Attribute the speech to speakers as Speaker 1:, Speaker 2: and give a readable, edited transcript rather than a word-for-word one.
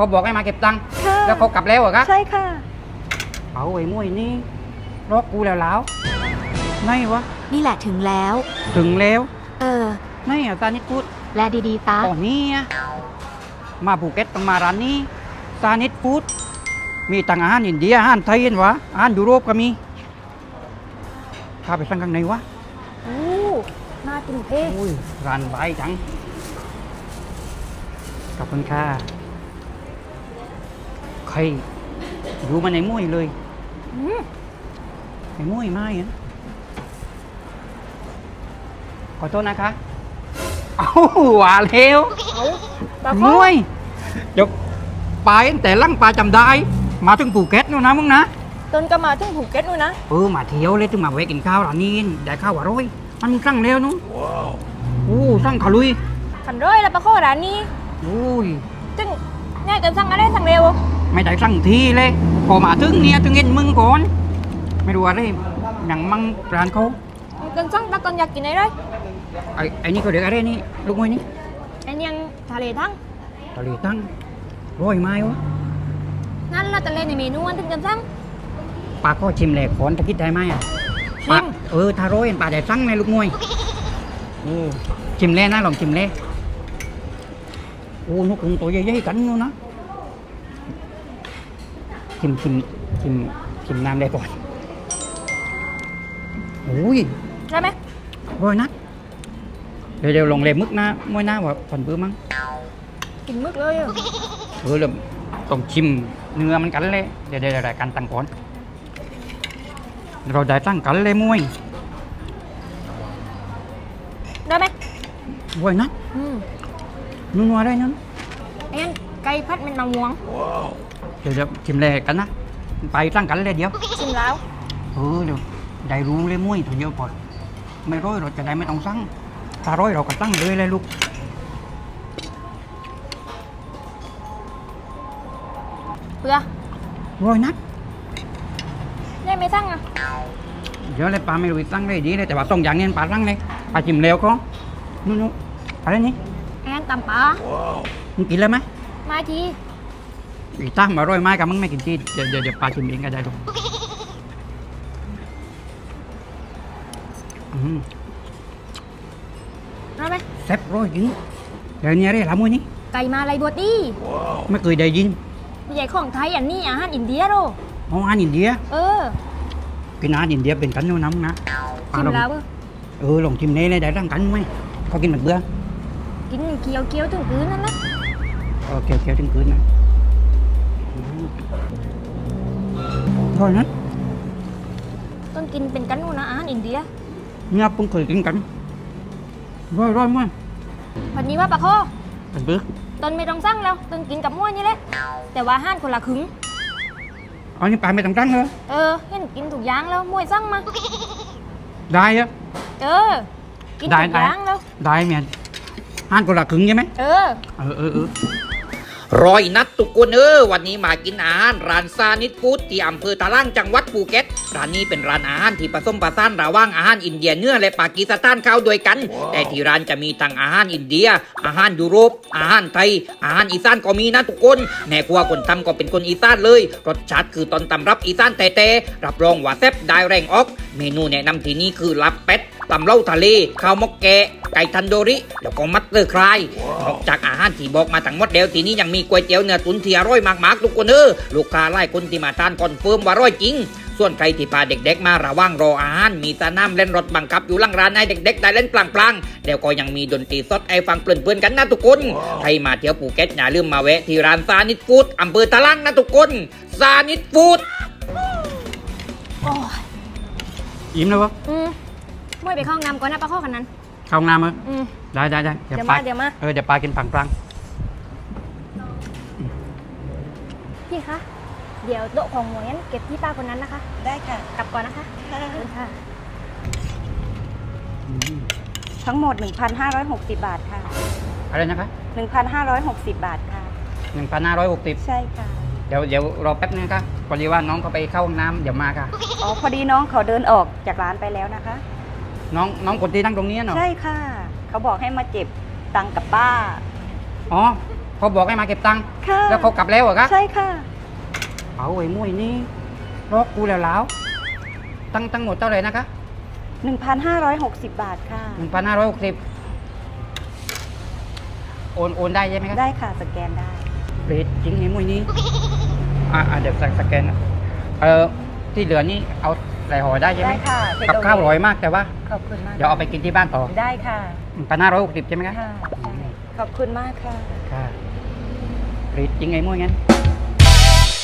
Speaker 1: เขาบอกให้มาเก็บตังค์
Speaker 2: ค่ะ
Speaker 1: แล้วเขากลับแล้วเหรอคะ
Speaker 2: ใช่ค่ะ
Speaker 1: เอาไอ้มวยนี่รอกกูแล้วไหนวะ
Speaker 3: นี่แหละถึงแล้ว
Speaker 1: ถึงแล้ว
Speaker 3: ไห
Speaker 1: นอ่ะซานิดฟู้ด
Speaker 3: แลดีๆตา
Speaker 1: อ๋อนี่อะมาภูเก็ตต้องมาร้านนี้ซานิดฟู้ดมีต่างอาหารอินเดียอาหารไทยเห็นวะอาหารยุโรปก็มีพาไปสั่งข้างในวะ
Speaker 2: โอ้น่ากินเท่
Speaker 1: อุ้ยร้านใบจังขอบคุณค่ะใครดูมาในมุ้ยเลย
Speaker 2: อืม
Speaker 1: ในมุ้ยไม่อะขอโทษนะคะเอ้าหวานเร็ว
Speaker 2: เอาปลาโค
Speaker 1: มุ้ยเดี๋ยวไปตั้งแต่ลั่งปลาจำได้ มาถึงภูเก็ตนู่นนะมึงนะ
Speaker 2: ต้นก็มาถึงภูเก็ตนู่นนะ
Speaker 1: มาเที่ยวเลยถึงมาแวะกินข้าวร้านนี้ได้ข้าวอร่อยมันสั่งเร็วนู้นสั่งขาลุย
Speaker 2: ขันร้อยแล้วปลาโคร้านนี้
Speaker 1: อุ้ย
Speaker 2: จึงเนี่ยจะสั่งอะไรสั่งเร็ว
Speaker 1: ไม่ได้สั่งทีเลยพอมาถึงเนี่ยถึงเห็นมึงก่อนไม่รู้อะไรอย่างมั่งร้านเขา
Speaker 2: จนสั่งตะกอนอยากกินอะไร
Speaker 1: ไอ้นี่เขาเรียกอะไรนี่ลูกมวยนี่
Speaker 2: ไอ้ยังทะเลทั้ง
Speaker 1: ทะเลตั้งร้อยไม้วะ
Speaker 2: นั่นละทะเลในเมนูอันถึงจะสั่ง
Speaker 1: ปลาก็ชิมแหลกขอนตะกี้ได้ไหมอ่ะ
Speaker 2: ชิม
Speaker 1: ปลาถ้าร้อยปลาได้สั่งในลูกมวยชิมแล่นะลองชิมแล่นกกรงตัวใหญ่ๆกันนู่นนะชิมน้ำได้ก่อนอุ้ย
Speaker 2: ได้ไหม
Speaker 1: ร้อยนัดเดี๋ยวลงเล็บมึกนะมวยหน้าว่าผ่อนเบื่อมั้ง
Speaker 2: กินมึกเลยอะ
Speaker 1: เริ่มต้องชิมเนื้อมันกันเลยเดี๋ยวรายการตั้งก่อนเราได้ตั้งกันเลยมวย
Speaker 2: ได้ไหม
Speaker 1: ร้อยนัด
Speaker 2: อืม
Speaker 1: นัวๆได้นั่น
Speaker 2: ไอ้ยันไก่พัดมันมะม่วง
Speaker 1: เดี๋ยวชิมเลยกันนะไปตั้งกันเลยเดี๋ยว
Speaker 2: ชิมแล้ว
Speaker 1: เดี๋ยวได้รู้เลยมวยตัวเดียวก่อนไม่ร้อยเราจะได้ไม่ต้องสั่งถ้าร้อยเราก็ตั้งเลยลูก
Speaker 2: เบื่อ
Speaker 1: ร้อยนัด
Speaker 2: ได้ไม่สั่งอ่ะ
Speaker 1: เดี๋ยวเลยปลาไม่รู้ตั้งเลยดีเลยแต่ว่าสองอย่างนี้ปลาตั้งเลยปลาชิมแล้วก็นู่นอะไรนี่
Speaker 2: ไอ้ยันตำปลา
Speaker 1: มึงกินแล้วไหม
Speaker 2: มาที
Speaker 1: อีตั้มมาร้อยไม้กับมึงไม่กินที่เดี๋ยวปลาชิมเองก็ได้ลูก
Speaker 2: ได้ไหม
Speaker 1: แซ่บร้อยจริงเดี๋ยวนี้อะไรละมวยนี่
Speaker 2: ไก่มาอะไรบดดี
Speaker 1: ไม่เคยได้ยิน
Speaker 2: ไม่ใช่ของไทยอันนี้อาหารอินเดียโร
Speaker 1: อาหารอินเดีย
Speaker 2: เออ
Speaker 1: กินอาหารอินเดียเป็นกันนู่นนะมึงนะปลา
Speaker 2: ชิม
Speaker 1: ลอง
Speaker 2: แล้วเออ
Speaker 1: ลองชิมเน่เลยได้ร่างกันไหมเขากินเหมือนเบื่อ
Speaker 2: กินเคี้ยวเคี้ยวถึงพื้นนั่นนะ
Speaker 1: เกี่ยวถึงคืนนะร้อยนัด
Speaker 2: ต้นกินเป็นกันนู่นนะอาหารอินเดีย
Speaker 1: เนี่ยเพิ่งเคยกินกันร้อยมั้ย
Speaker 2: วันนี้ว่าปลาโค
Speaker 1: เป็นเบื่อ
Speaker 2: ต้นไม่ต้องสั่งแล้วต้นกินกับม้วยนี่แหละแต่ว่าอาหารคนละครึ่ง
Speaker 1: อันนี้ปลาไม่ต้องตั้งเลย
Speaker 2: เออเห็นกินถูกอย่างแล้วม้วยสั่งมา
Speaker 1: ได้อะ
Speaker 2: เออกิน
Speaker 1: ได้
Speaker 2: ถูกอย่างแล้ว
Speaker 1: ได้เมียห้านคนละครึ่งใช่ไหม
Speaker 2: เออ
Speaker 1: ร้อยนัดทุกคนวันนี้มากินอาหารร้านซานิดฟู้ดที่อำเภอตะล่างจังหวัดภูเก็ตร้านนี้เป็นร้านอาหารที่ผสมผสานระหว่างอาหารอินเดียเนื้อและปากีสถานเข้าด้วยกัน แต่ที่ร้านจะมีทั้งอาหารอินเดีย อาหารยุโรปอาหารไทย อาหารอีสานก็มีนะทุกคนแม่ครัวคนทำก็เป็นคนอีสานเลยรสชาติคือต้นตำรับอีสานแต่รับรองว่าแซ่บได้แรงออกเมนูแนะนำที่นี่คือลาบเป็ดตำเล่าทะเลข้าวมกแกะไก่ทันโดริแล้วก็มัตเตอร์คลายนอกจากอาหารที่บอกมาทั้งหมดแล้วทีนี้ยังมีก๋วยเตี๋ยวเนื้อตุ๋นที่อร่อยมากๆทุกคนลูกค้าหลายคนที่มาทานคอนเฟิร์มว่าอร่อยจริงส่วนใครที่พาเด็กๆมาระหว่างรออาหารมีสนามเล่นรถบังคับอยู่หลังร้านให้เด็กๆได้เล่นปลางๆแล้วก็ยังมีดนตรีสดให้ฟังเพลินๆกันนะทุกคนใครมาเที่ยวภูเก็ตอย่าลืมมาแวะที่ร้านซานิดฟู้ดอำเภอตะลังนะทุกคนซานิดฟู้ด
Speaker 2: โอ้ย
Speaker 1: อิ่มแล้ววะ
Speaker 2: ม้วยไปเข้าห้องน้ำก่อนนะปลาโคคนนั้น
Speaker 1: เข้าห้องน้ำมั้ย
Speaker 2: อืม
Speaker 1: ได้
Speaker 2: เดี๋ยวมา
Speaker 1: เดี๋ยวปลากินปลาง
Speaker 2: พี่คะเดี๋ยวโต๊ะของหมวยงั้นเก็บที่ป้าคนนั้นนะคะ
Speaker 4: ได้ค่ะ
Speaker 2: กลับก่อนนะคะขอบคุณค่ะ
Speaker 4: ทั้งหมด 1,560 บาทค่ะ
Speaker 1: อะไรนะคะ
Speaker 4: 1,560 บาทค่ะ
Speaker 1: 1,560
Speaker 4: ใช่ค่ะ
Speaker 1: เดี๋ยวรอแป๊บนึงค่ะพอดีว่าน้องเขาไปเข้าห้องน้ำเดี๋ยวมาค่ะ
Speaker 4: อ๋อ พอดีน้องเขาเดินออกจากร้านไปแล้วนะคะ
Speaker 1: น้องคนที่นั่งตรงนี้เนาะ
Speaker 4: ใช่ค่ะ เขาบอกให้มาเจ็บตังค์กับป้า
Speaker 1: อ๋อเขาบอกให้มาเก็บตังค์
Speaker 4: ค่ะ
Speaker 1: แล้วเขากลับแล้วเหรอคะ
Speaker 4: ใช่ค่ะ
Speaker 1: เอาไอ้มุ้ยนี่รอกกูแล้วตั้งหมดเท่าไหร่นะคะ
Speaker 4: 1,560 บาทค่ะ
Speaker 1: 1,560โอนได้ใช่ไหมครับ
Speaker 4: ได้ค่ะสแกนได้
Speaker 1: เรทจริงไอ้มุ้ยนี่เดี๋ยวสแกนนะที่เหลือนี่เอาใส่ห่อได้ใช่ไหม
Speaker 4: ได้ค่ะเทค
Speaker 1: กับ
Speaker 4: เอา
Speaker 1: ข้าวอ
Speaker 4: ไว้
Speaker 1: ร่อยมากแต่ว่า
Speaker 4: ขอบคุณมาก
Speaker 1: เดี๋ยวเอาไปกินที่บ้านต่อ
Speaker 4: ได้ค่ะ
Speaker 1: 1,560ใช่ไหมครับ
Speaker 4: ค่ะใช่ขอบคุณมากค่ะ
Speaker 1: ค่ะเรทจริงไอ้มุ้ยงั้น